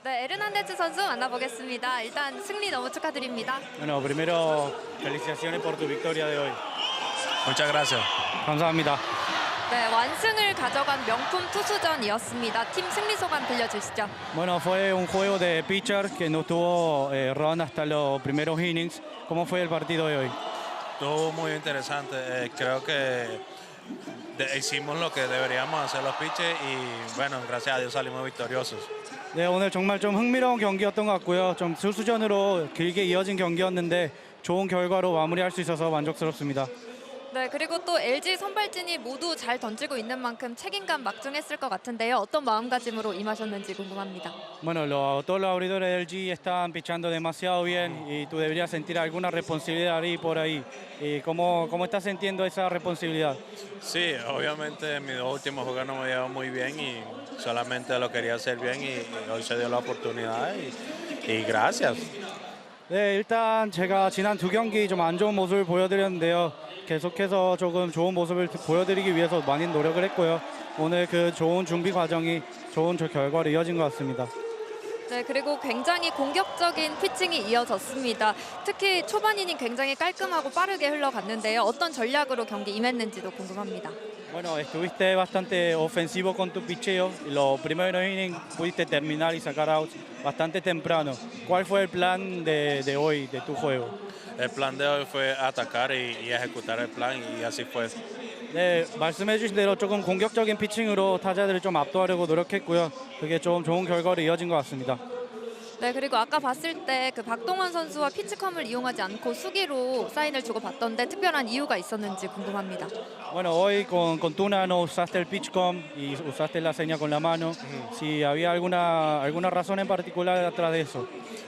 네, 에르난데즈 선수 만나보겠습니다. 일단 승리 너무 축하드립니다. Bueno, primero, felicitaciones por tu victoria de hoy. Muchas gracias. 감사합니다. 네, 완승을 가져간 명품 투수전이었습니다. 팀 승리 소감 들려주시죠. Bueno, fue un juego de pitcher que no tuvo run hasta los primeros innings. ¿Cómo fue el partido de hoy? Estuvo muy interesante. Creo que hicimos lo que deberíamos hacer los pitchers y bueno, gracias a Dios salimos victoriosos. 네, 오늘 정말 좀 흥미로운 경기였던 것 같고요. 좀 투수전으로 길게 이어진 경기였는데 좋은 결과로 마무리할 수 있어서 만족스럽습니다. 네, 그리고 또 LG 선발진이 모두 잘 던지고 있는 만큼 책임감 막중했을 것 같은데요. 어떤 마음가짐으로 임하셨는지 궁금합니다. Bueno, todos los abridores del G están pichando demasiado bien y tú deberías sentir alguna responsabilidad ahí por ahí. ¿Y cómo estás sintiendo esa responsabilidad? Sí, obviamente mis dos últimos juegos no me llevan muy bien y solamente lo quería hacer bien y hoy se dio la oportunidad y gracias. 네, 일단 제가 지난 두 경기 좀 안 좋은 모습을 보여드렸는데요. 계속해서 조금 좋은 모습을 보여드리기 위해서 많이 노력을 했고요. 오늘 그 좋은 준비 과정이 좋은 결과로 이어진 것 같습니다. 네, 그리고 굉장히 공격적인 피칭이 이어졌습니다. 특히 초반 이닝 굉장히 깔끔하고 빠르게 흘러갔는데요. 어떤 전략으로 경기 임했는지도 궁금합니다. Bueno, estuviste bastante ofensivo con tu picheo. Los primeros innings pudiste terminar y sacar outs bastante temprano. ¿Cuál fue el plan de hoy, de tu juego? El plan de hoy fue atacar y ejecutar el plan y así fue. 네, 말씀해 주신 대로 조금 공격적인 피칭으로 타자들을 좀 압도하려고 노력했고요. 그게 좀 좋은 결과로 이어진 것 같습니다. 네, 그리고 아까 봤을 때 그 박동원 선수와 피치컴을 이용하지 않고 수기로 사인을 주고 받던데 특별한 이유가 있었는지 궁금합니다. Bueno, hoy con Tuna no usaste el pitchcom y usaste la seña con la mano. Si había alguna razón en particular detrás de eso.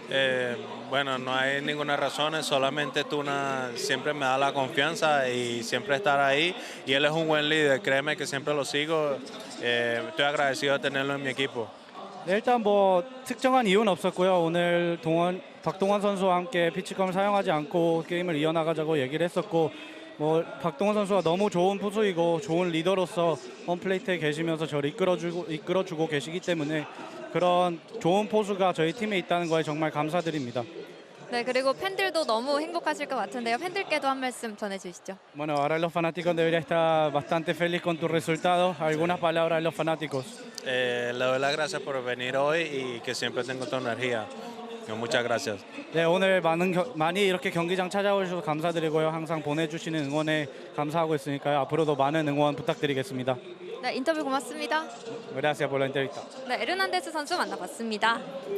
Bueno, no hay ninguna razón, solamente Tuna siempre me da la confianza y siempre estar ahí y él es un buen líder, créeme que siempre lo sigo, estoy agradecido de tenerlo en mi equipo. 네, 일단 뭐 특정한 이유는 없었고요. 오늘 박동원 선수와 함께 피치컴을 사용하지 않고 게임을 이어나가자고 얘기를 했었고 뭐 박동원 선수가 너무 좋은 투수이고 좋은 리더로서 홈플레이트에 계시면서 저를 이끌어주고 계시기 때문에 그런 좋은 포수가 저희 팀에 있다는 거에 정말 감사드립니다. 네, 그리고 팬들도 너무 행복하실 것 같은데요. 팬들께도 한 말씀 전해주시죠. Bueno, ahora los fanáticos deberían estar bastante felices con tus resultados. Algunas palabras de los fanáticos. Le doy las gracias por venir hoy y que siempre tengo tu energía. Muchas gracias. 네, 오늘 많이 이렇게 경기장 찾아오셔서 감사드리고요. 항상 보내주시는 응원에 감사하고 있으니까요. 앞으로도 많은 응원 부탁드리겠습니다. 네, 인터뷰 고맙습니다. Gracias por la entrevista. 네, 에르난데스 선수 만나봤습니다.